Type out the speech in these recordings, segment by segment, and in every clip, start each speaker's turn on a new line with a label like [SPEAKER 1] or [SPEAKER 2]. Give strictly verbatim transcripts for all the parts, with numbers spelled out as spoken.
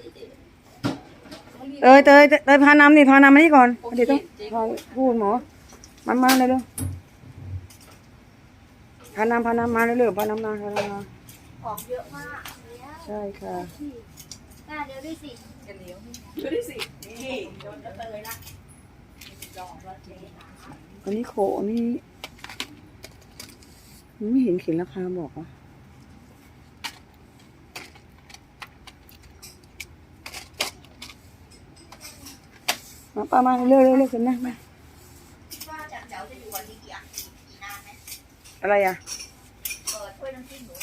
[SPEAKER 1] เตยเตยเตยพาน้ำนี่พาน้ำมานี่ก่อนเดี๋ยวต้องพอพูดหมอมามาเลยเร็วพาน้ำพาน้ำมาเร็วๆพาน้ำมาพาน้ำมา
[SPEAKER 2] ของเยอะมาก
[SPEAKER 1] ใช่ค่ะ
[SPEAKER 2] น่าเดี๋ยวด้วยสิจะเลี้ยวเดี๋ยวด้วยสินี่โดนจะเตยละลองแล้วเจ๊
[SPEAKER 1] อันนี้โขนี่ไม่เห็นเขียนราคาบอกอ่ะมาป้ามาเร็วเร็วเร็วกันนะมา
[SPEAKER 2] ว่าจะเจ้าจะอยู่วันนี้กี่กี่นานไหม
[SPEAKER 1] อะไรอ่ะ
[SPEAKER 2] เปิดถ้วยน้ำจิ้มห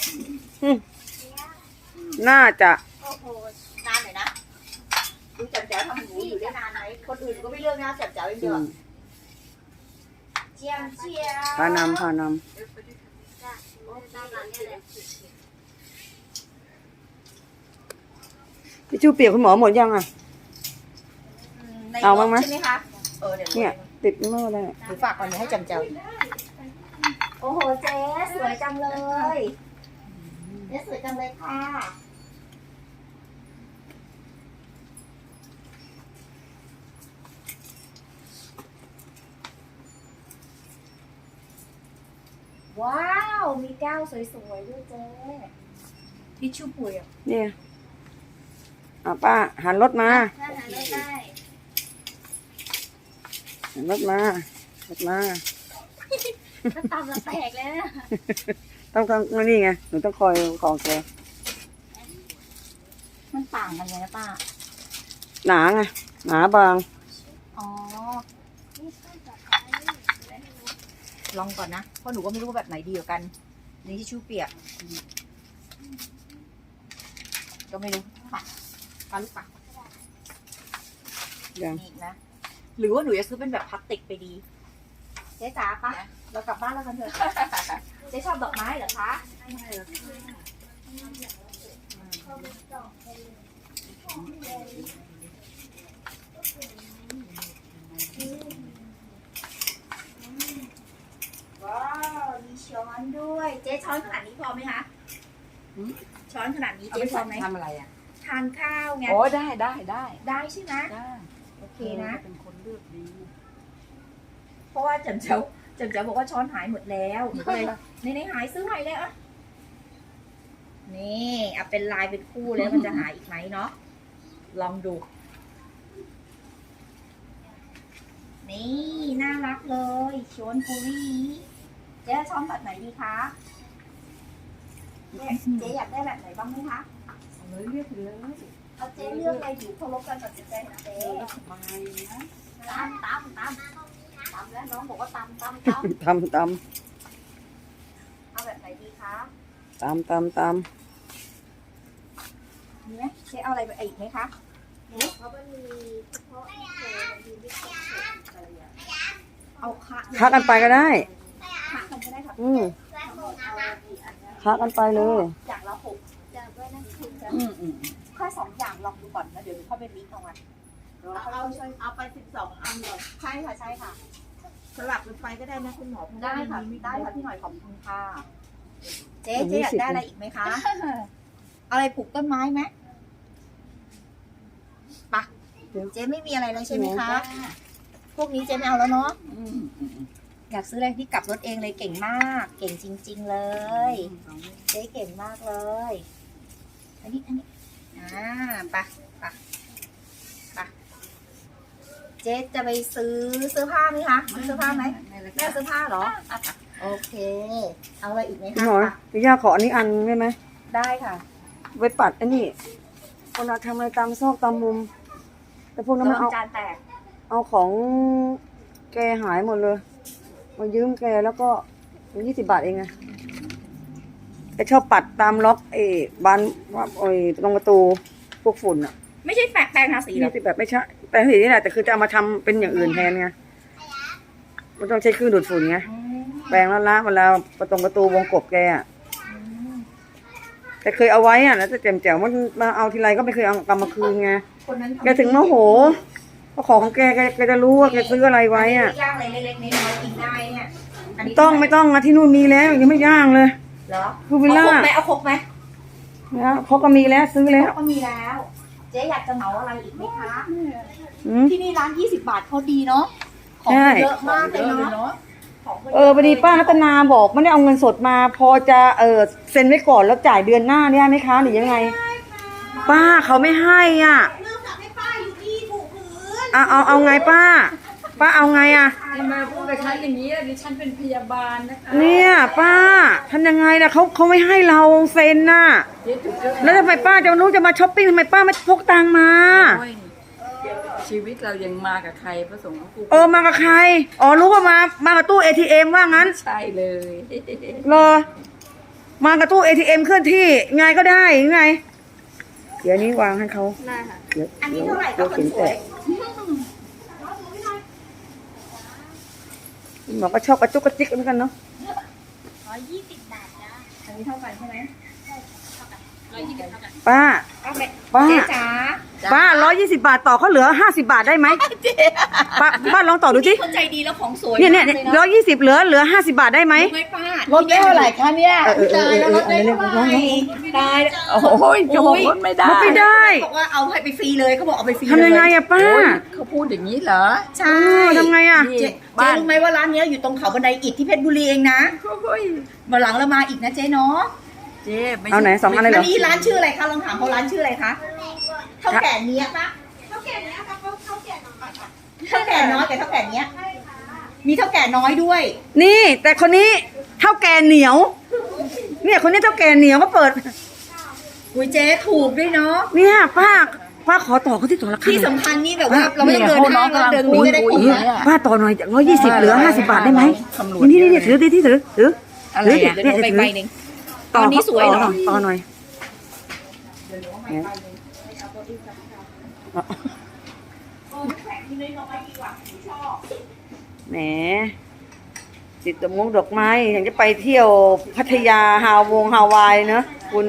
[SPEAKER 2] นู
[SPEAKER 1] น่าจะ
[SPEAKER 2] โอ้โหนานหน่อยนะดูจับเจ้าทำหมูอยู่ได้นานไหมคนอื่นก็ไม่เลือกนะจับเจ้าอย่างเดียวเจียมเจียม
[SPEAKER 1] พานำพานำพี่ชูเปียกคุณหมอหมดยังอ่ะเอาบ้างไหม
[SPEAKER 2] ใช่ไหมคะเออเดี๋ยว
[SPEAKER 1] เนี่ยติดเมื่อไร
[SPEAKER 2] หนูฝากก่อนเดี๋ยวให้จับเจ้าโอ้โหเจ๊สวยจังเลยเจ๊สวยจังเลยค่ะว้าวมีแก้วสวยๆด้วยเจ๊ทิชชู่ปุ๋ยอ่ะ
[SPEAKER 1] เนี่ยอ่ะป้าหันรถมา
[SPEAKER 2] หันรถได้
[SPEAKER 1] หันรถมารถมา
[SPEAKER 2] ก็ตำละแตกแล้ว
[SPEAKER 1] ต้องต้องนี่ไงหนูต้องคอยของแก
[SPEAKER 2] มันต่างกันไงนะป้า
[SPEAKER 1] หนาไงหนาบาง
[SPEAKER 2] อ๋อลองก่อนนะเพราะหนูก็ไม่รู้ว่าแบบไหนดีกว่ากันนี่ทิชชู่เปียกก็ไม่รู้ปักปลาลูกปัก
[SPEAKER 1] ยัง
[SPEAKER 2] อีกนะหรือว่าหนูจะซื้อเป็นแบบพลาสติกไปดีเจ๊จ๋าปะเรากลับบ้านแล้วกันเถอะเจ๊ชอบดอกไม้เหรอคะว้าวมีช้อนด้วยเจ๊ช้อนขนาดนี้พอไหมคะช้อนขนาดนี้เจ๊พอไหม
[SPEAKER 3] ทำอะไรอ่ะ
[SPEAKER 2] ทานข้าวไง
[SPEAKER 3] โอ้ได้ได้ได้
[SPEAKER 2] ได้ใช่ไหม
[SPEAKER 3] ได้
[SPEAKER 2] โอเคนะ
[SPEAKER 3] เป็นคนเลือกดี
[SPEAKER 2] เพราะว่าจำเจ้าจำเจ้าบอกว่าช้อนหายหมดแล้วหนูก็เลยในในหายซื้อใหม่เลยอ่ะนี่เอาเป็นลายเป็นคู่แล้วมันจะหายอีกไหมเนาะลองดูนี่น่ารักเลยช้อนฟูรี่เจ๊ช้อนแบบไหนดีคะเจ๊อยากได้แบบไหนบ้างไหมคะ
[SPEAKER 3] เลยเลือกเลย
[SPEAKER 2] เอาเจ๊เลือกเลยอยู่เคารพการตัดสินใจของเจ๊
[SPEAKER 3] มานะ
[SPEAKER 2] ตามตามตามตามแล้วน้องบอกว่าตามตามตาม
[SPEAKER 1] ตำต
[SPEAKER 2] ำเอาแบบไหนดีคะ
[SPEAKER 1] ตำตำตำ
[SPEAKER 2] มีไหมเจ๊เอาอะไรไปอีกไหมคะเพราะมันมีเฉพาะมีวิธีเอาคะ
[SPEAKER 1] ค้ากันไปก็ได้
[SPEAKER 2] คะกันก็ได้ค่ะ
[SPEAKER 1] อืมค้ากันไปเลย
[SPEAKER 2] อย่างละหกจะด้วยนะคุณจะ
[SPEAKER 3] อืมอืม
[SPEAKER 2] แค่สองอย่างลองดูก่อนแล้วเดี๋ยวเข้าไปลิสต์เอาไว้เอาเอาไปสิบสองอันเลยใช่ค่ะใช่ค่ะสลับกันไปก็ได้นะคุณหมอได้ค่ะได้ค่ะพี่หน่อยขอบคุณค่ะเจ๊เจ๊อยากได้อะไรอีกไหมคะอะไรปลูกต้นไม้ไหมปะเจ๊ไม่มีอะไรเลยใช่ไหมคะพวกนี้เจ๊ไม่เอาแล้วเนาะอยากซื้ออะไรที่กลับรถเองเลยเก่งมากเก่งจริงๆเลยเจ๊เก่งมากเลยอันนี้อันนี้อ่าปะปะปะเจ๊จะไปซื้อเสื้อผ้าไหมคะซื้อเสื้อผ้าไหมแม่เสื้อผ้าเหรอโอเคเอาอะไรอีกไหมคะ
[SPEAKER 1] พี่ย่าขออันนี้อันได้ไหม
[SPEAKER 2] ได้ค่ะ
[SPEAKER 1] ไว้ปัดอันนี้เวลาทำอะไรตามซอกตามมุมแต่พวกนั้นมันเอาเอาของแกหายหมดเลยมายืมแกแล้วก็ยี่สิบบาทเองไงแกชอบปัดตามล็อกเอ้บานไอ้ตรงประตูพวกฝุ่นอ่ะ
[SPEAKER 2] ไม่ใช่แปรงแปรงทาสีหรอ
[SPEAKER 1] แบบไม่ใช่แปรงสีนี่แหละแต่คือจะเอามาทำเป็นอย่างอื่นแทนไงมันต้องใช้เครื่องดูดฝุ่นไงแปรงแล้วล้างเวลาประตูประตูวงกบแกอ่ะแต่เคยเอาไว้อ่ะแล้วแต่แจ่มแจ๋วมันมาเอาทีไรก็ไม่เคยเอากลับมาคืนไงแกถึงโมโหเพราะของของแกแกจะรู้ว่าแกซื้ออะไรไว้อ่ะ
[SPEAKER 2] ย่างอะไรเล็กๆน้อยๆกินได้เนี่ย
[SPEAKER 1] ต้องไม่ต้องอะที่นู่นมีแล้วยังไม่ย่างเลย
[SPEAKER 2] เหรอ
[SPEAKER 1] คือวิลล่า
[SPEAKER 2] เอาครกไหมเอาครกไหม
[SPEAKER 1] นะเขาก็มีแล้วซื้อแล้ว
[SPEAKER 2] ก็มีแล้วเจ๊อยากจะเหมาอะไรอีกไหมคะ
[SPEAKER 1] อืม
[SPEAKER 2] ที่นี่ร้านยี่สิบบาทเขาดีเนาะ ของ
[SPEAKER 1] ใช่
[SPEAKER 2] เยอะมากเลยเนาะของขา
[SPEAKER 1] เออพอดีป้ารัตนาบอกไม่ได้เอาเงินสดมา พอจะเออเซ็นไว้ก่อนแล้วจ่ายเดือนหน้าเนี่ยไหมคะหรือยังไง ป้าเขาไม่ให้อ่ะ
[SPEAKER 2] เนื่องจากให้ป้าอยู่ที่ถูกพื้น
[SPEAKER 1] เอาเอาเอาไงป้า ป้าเอาไงอ่ะ
[SPEAKER 3] ทำไมพูดกับฉันอย่างนี้ล่ะดิฉันเป็นพยาบาลนะคะ
[SPEAKER 1] เนี่ยป้าทำยังไงนะเขาเขาไม่ให้เราเซ็นน่ะ
[SPEAKER 3] เจ๊ถูกเรื่อง
[SPEAKER 1] แล้วทำไมป้าจะรู้จะมาช้อปปิ้งทำไมป้าไม่พกตังค์มา
[SPEAKER 3] โอ้ยชีวิตเรายังมากับใครพระสงฆ์กู
[SPEAKER 1] เออมากับใคร อ๋อรู้ว่ามา มากับตู้ เอ ที เอ็ม ว่างั้น
[SPEAKER 3] ใช่เลย
[SPEAKER 1] รอ มากับตู้ เอ ที เอ็ม เคลื่อนที่ไงก็ได้ยังไง เดี๋ยวนี้วางให้เขา
[SPEAKER 2] ได้ค่ะ
[SPEAKER 1] เดี๋ยว
[SPEAKER 2] อันนี้
[SPEAKER 1] เดี๋ยว
[SPEAKER 2] เท่าไหร่
[SPEAKER 1] เดี๋
[SPEAKER 2] ก็
[SPEAKER 1] ยว
[SPEAKER 2] คน
[SPEAKER 1] เขียน
[SPEAKER 2] ส
[SPEAKER 1] แต
[SPEAKER 2] วย
[SPEAKER 1] กหมอก็ชอบกระจุกกระจิกเหมือนกันเนาะ
[SPEAKER 2] ร้อยยี่สิบบาทจ้ะอันนี้เท่ากันใช่ไหมร้อยยี่สิบเท่ากัน
[SPEAKER 1] ป้า
[SPEAKER 2] เอาไป
[SPEAKER 1] ป้า
[SPEAKER 2] เจ๊จ๋า
[SPEAKER 1] ป้าร้อยยี่สิบบาทต่อเขาเหลือห้าสิบาทได้ไหมป้าป้าลองต่อดูสิ
[SPEAKER 2] คนใจดีแล้วของสวย
[SPEAKER 1] เนี่ยเนี่ย
[SPEAKER 2] มากล
[SPEAKER 1] ร้อยยี่สิบเหลือเหลือห้าสิบาทได้ไหม
[SPEAKER 2] รู้ไหมป้า
[SPEAKER 3] ลดได้เท่าไหร่คะเนี่ย
[SPEAKER 1] เออเออเอ
[SPEAKER 2] ตาย
[SPEAKER 1] อ
[SPEAKER 2] แล้ว
[SPEAKER 1] เอ
[SPEAKER 2] ล
[SPEAKER 1] อ
[SPEAKER 2] ด
[SPEAKER 1] เอ
[SPEAKER 2] ได้
[SPEAKER 1] อ
[SPEAKER 2] เท่าไหร่ตายแล้ว
[SPEAKER 3] โอ้ยจะบอกลดไม่ได้
[SPEAKER 1] ลดไม่ได้
[SPEAKER 2] บอกว่าเอาให้ไปฟรีเลยเขาบอกเอาไปฟรี
[SPEAKER 1] ทำยังไง
[SPEAKER 2] เลย
[SPEAKER 1] อะป้า
[SPEAKER 3] โอ้ยเขาพูดอย่างนี้เหรอ
[SPEAKER 2] ใช่
[SPEAKER 1] เออทำไงอะ
[SPEAKER 3] นี่
[SPEAKER 2] เจ๊
[SPEAKER 3] บ้าน
[SPEAKER 2] รู้ไหมว่าร้านเนี้ยอยู่ตรงเขาบันไดอิฐที่เพชรบุรีเองนะ
[SPEAKER 3] โอ้ย
[SPEAKER 2] มาหลังเรามาอีกนะเจ๊เนาะ
[SPEAKER 3] เจ๊ม่
[SPEAKER 1] เอาไหนสองอันเลยเหร
[SPEAKER 2] อันนี้ร้านชื่ออะไรคะลองถามเขาร้านชื่ออะไรคะเท่าแก่เนี้ยปะ
[SPEAKER 4] เท่าแก่เนี้ยค่ะเขาเท่าแก่น้อยค่ะ
[SPEAKER 2] เท่าแก่น้อยกับเท่าแก่เนี้ยมีเท่าแก่น้อยด้วย
[SPEAKER 1] นี่ แต่คนนี้เท่าแก่เหนียว เนี่ยคนนี้เท่าแก่เหนียวก็เปิด
[SPEAKER 2] อุ้ยเจ๊ถูกด้วยเนาะ
[SPEAKER 1] เนี่ยป้าป้าขอต่อเขาที่ต่อราคา
[SPEAKER 2] ที่
[SPEAKER 1] หน่อย
[SPEAKER 2] สำคัญนี่แบบว่าเราไม่ต้องเดินห้างเราเดินนี้ก็ได้
[SPEAKER 1] เอ
[SPEAKER 2] คุ้ม
[SPEAKER 1] อ
[SPEAKER 2] นะ
[SPEAKER 1] ป้าต่อหน่อยร้อยยี่สิบเหลือห้าสิบาทได้ไหม
[SPEAKER 3] ตำรวจ
[SPEAKER 1] นี่นี่นี่ถือดิที่ถือถือ
[SPEAKER 3] อะไร
[SPEAKER 1] ถื
[SPEAKER 3] อ่ะ
[SPEAKER 2] เดี๋ยวหนูไปใบหนึ่ง
[SPEAKER 1] ต่อ
[SPEAKER 2] อันนี้สวยเหรอ
[SPEAKER 1] ต่อหน่อยแหมติดดอกมงดอกไม้อยากจะไปเที่ยวพัทยาฮาวงฮาวายเนอะคุณ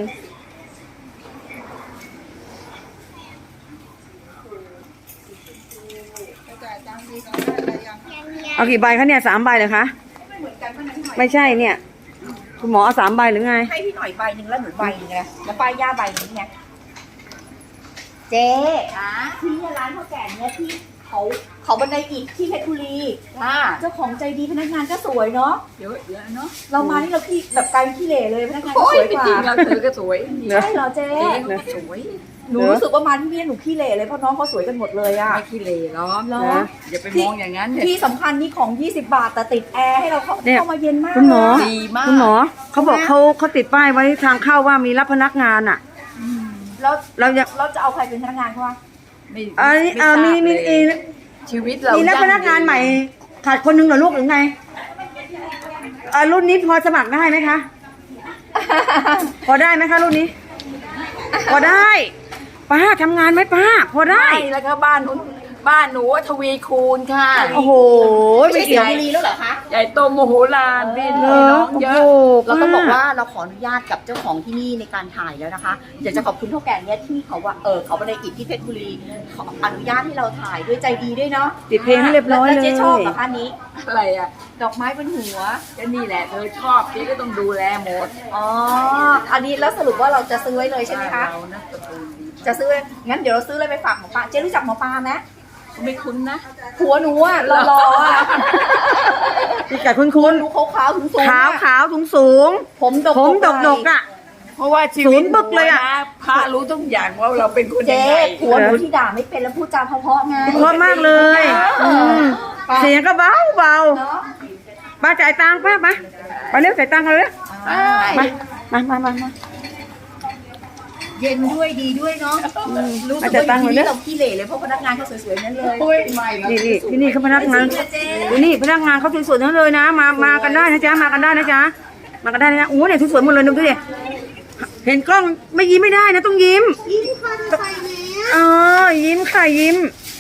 [SPEAKER 1] เอากี่ใบคะเนี่ยสามใบเลยคะไม่ใช่เนี่ย คุณหมอเอาสามใบหรือไง
[SPEAKER 2] ให้พี่หน่อยใบหนึ่งแล้วหนูใบหนึ่งไงแล้วป้ายย่าใบหนึ่งไงเจ๊ที่เนี่ยร้านเท่าแก่เนี่ยที่เขาเขาบันไดอิฐที่เพชรบุรี
[SPEAKER 3] อ่า
[SPEAKER 2] เจ้าของใจดีพนักงานก็สวยเนาะ
[SPEAKER 3] เดี๋ยวเดี๋ยวเนาะ
[SPEAKER 2] เรามานี่เราขี้แบบกลายเป็นขี้เหร่เลยพนักงานก็
[SPEAKER 3] โอ้
[SPEAKER 2] ส
[SPEAKER 3] ย
[SPEAKER 2] วยกว่า
[SPEAKER 3] จริงเราเธอก็สวย
[SPEAKER 1] เนอะ
[SPEAKER 2] ใช่เหรอเจ๊
[SPEAKER 3] เจ๊เขาก็สวย
[SPEAKER 2] หนูรู้สึกว่ามาที่นี่หนูขี้เหร่เลยเพราะน้องเขาสวยกันหมดเลยอะ
[SPEAKER 3] ไม่ขี้เหร่หรอก
[SPEAKER 2] เหรอ
[SPEAKER 3] อย่าไปมองอย่างนั้นเนี่ย
[SPEAKER 2] ที่สำคัญนี่ของยี่สิบบาทแต่ติดแอร์ให้เราเข้า
[SPEAKER 1] เนี่ย
[SPEAKER 2] เข้ามาเย็นมาก
[SPEAKER 1] คุณหมอ
[SPEAKER 2] เลย
[SPEAKER 3] ดีมาก
[SPEAKER 1] คุณหมอเขาบอกเขาเขาติดป้ายไว้ทางเข้าว่ามีรับพนักงานอ่ะ
[SPEAKER 2] แล้ว
[SPEAKER 1] เราจะ
[SPEAKER 2] เราจะเอาใครเป็นพนักงานเขาวะ
[SPEAKER 3] ไม่
[SPEAKER 1] อันนี้เออมีมีมี
[SPEAKER 3] ชีวิตเรา
[SPEAKER 1] มีรับพนักงานใหม่ ขาดคนหนึงเหรอลูกหรือไงเออรุ่นนี้พอสมัครได้ไหมคะ พอได้ไหมคะรุ่นนี้ พอได้ป้าทำงานไหมป้า พอได้
[SPEAKER 3] ได้แล้วก็บ้านนู้นบ้านหนูทวีคูณค่ะ
[SPEAKER 1] โอ้โห
[SPEAKER 2] ไม่
[SPEAKER 1] ไม่
[SPEAKER 2] ใช่เสีย
[SPEAKER 1] เกี่ยว
[SPEAKER 2] บุรีแล้วเหรอคะ
[SPEAKER 3] ใหญ่โตโมโหลานพี่
[SPEAKER 1] เหร
[SPEAKER 3] น้
[SPEAKER 1] อ
[SPEAKER 3] องเย
[SPEAKER 1] โอ้
[SPEAKER 3] อะ
[SPEAKER 1] โห
[SPEAKER 2] เราต้องบอก
[SPEAKER 1] ป้
[SPEAKER 2] ว่าเราขออนุญาตกับเจ้าของที่นี่ในการถ่ายแล้วนะคะอยากจะขอบคุณเท่าแก่เนี้ยที่เขาว่าเออเขาบันไดอิฐที่เพชรบุรีขออนุญาตให้เราถ่ายด้วยใจดีด้วยเนาะ
[SPEAKER 1] ติดเพลงให้เรียบร้อย
[SPEAKER 2] แล้ว
[SPEAKER 1] เล
[SPEAKER 2] เจ๊
[SPEAKER 1] ย
[SPEAKER 2] ชอบเหรอคะนี้
[SPEAKER 3] อะไรอ่ะ
[SPEAKER 2] ดอกไม้บนหัว
[SPEAKER 3] ก็นี่แหละเธอชอบพี่ก็ต้องดูแลหมด
[SPEAKER 2] อ๋ออันนี้แล้วสรุปว่าเราจะซื้อไว้เลยใช่ไหมคะ
[SPEAKER 3] เรานะตระกูลดี
[SPEAKER 2] จะซื้องั้นเดี๋ยวเราซื้อเลยไปฝากหมอปลาเจ๊รู้จักหมอปลาไหม
[SPEAKER 3] ไม่คุ้นนะ
[SPEAKER 2] ผัวหนูอะรอๆอะ
[SPEAKER 1] พี่กัดคุณคุณ
[SPEAKER 2] หนูขาวๆสูงๆ
[SPEAKER 1] ขาว
[SPEAKER 2] อะ
[SPEAKER 1] ขาวสูงสูง
[SPEAKER 2] ผมดก
[SPEAKER 1] ผมดก
[SPEAKER 2] ๆ
[SPEAKER 1] ดกอ่ะ
[SPEAKER 3] เพราะว่าชี
[SPEAKER 1] ศู
[SPEAKER 3] วิต
[SPEAKER 1] นย์บึกเลยอะ
[SPEAKER 3] หนูนพระรู้ทุกอย่างว่าเราเป็นคนยัง
[SPEAKER 2] เจ๊
[SPEAKER 3] ไง
[SPEAKER 2] ผัวหนูที่ด่าไม่เป็นแล้วพูดจาเพราะๆไง
[SPEAKER 1] เพราะมากเลย
[SPEAKER 2] เอ
[SPEAKER 1] อื
[SPEAKER 2] อ
[SPEAKER 1] ม
[SPEAKER 2] ป้า
[SPEAKER 1] เสียงก็เบาเบา
[SPEAKER 2] เนาะ
[SPEAKER 1] ป้าจ่ายตังค์ป้ามาไปเร็วจ่ายตังค์กันเลย
[SPEAKER 2] อ่า
[SPEAKER 1] มามามามา
[SPEAKER 2] เย็นด้วยดีด้วยเนาะรู้สึก
[SPEAKER 1] อาจจะ
[SPEAKER 2] ว่า
[SPEAKER 1] ตั้ง
[SPEAKER 2] อยู่
[SPEAKER 1] ไว้
[SPEAKER 2] ที่
[SPEAKER 1] เนี่ย
[SPEAKER 2] นี่เราขี้เหร่เลยเพราะพนักงานเขาสวยๆนั่นเลย
[SPEAKER 3] โอ้ยไม่หรอก
[SPEAKER 1] นี่นี่ที่นี่เขาพนักงาน
[SPEAKER 2] จริงๆเจ๊
[SPEAKER 1] ดูนี่พนักงานเขาสวยๆทั้งนั้นเลยนะ มามากันได้นะจ๊ะมากันได้นะจ๊ะมากันได้นะโอ้โหเนี่ยสวยๆหมดเลยดูดิเห็นกล้องไม่ยิ้มไม่ได้นะต้องยิ้ม
[SPEAKER 4] ยิ้มค่ะจะใส่แมส
[SPEAKER 1] เออยิ้มค่ะยิ้ม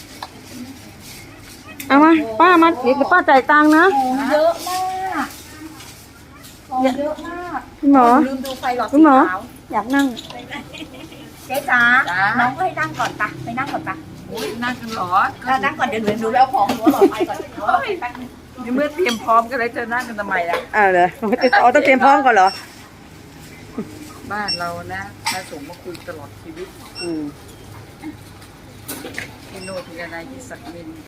[SPEAKER 1] เอามาป้ามาเดี๋ยวป้าจ่ายตังค์นะ
[SPEAKER 2] ของเยอะมากของเยอะมาก
[SPEAKER 1] คุณหมอ
[SPEAKER 2] ลืมดูไฟหลอด
[SPEAKER 1] คุ
[SPEAKER 2] สี
[SPEAKER 1] ณหมอ
[SPEAKER 2] ขาว
[SPEAKER 1] อยากนั่ง
[SPEAKER 2] เจ๊จ๋าน้องก็ให้นั่งก่อนปะไปนั่งก่อนปะ
[SPEAKER 3] โอ้ยนั่งกันเหรอ
[SPEAKER 2] เรานั่งก่อนเดี๋ยวหนูหนูไปเอาของหนูเอาหลอดไฟก่อนเดี๋ยวเอาไปแป๊บนึง
[SPEAKER 3] ในเมื่อเตรียมพร้อมกันแล้วจะนั่งกันทำไมล่ะ
[SPEAKER 1] อ่าเลยอ๋อต้องเตรียมพร้อมก่อนเหรอ
[SPEAKER 3] บ้านเรานะพระสงฆ์มาคุยตลอดชีวิต
[SPEAKER 1] อืม
[SPEAKER 3] ที่โน่นที่อะไรที่สักมิน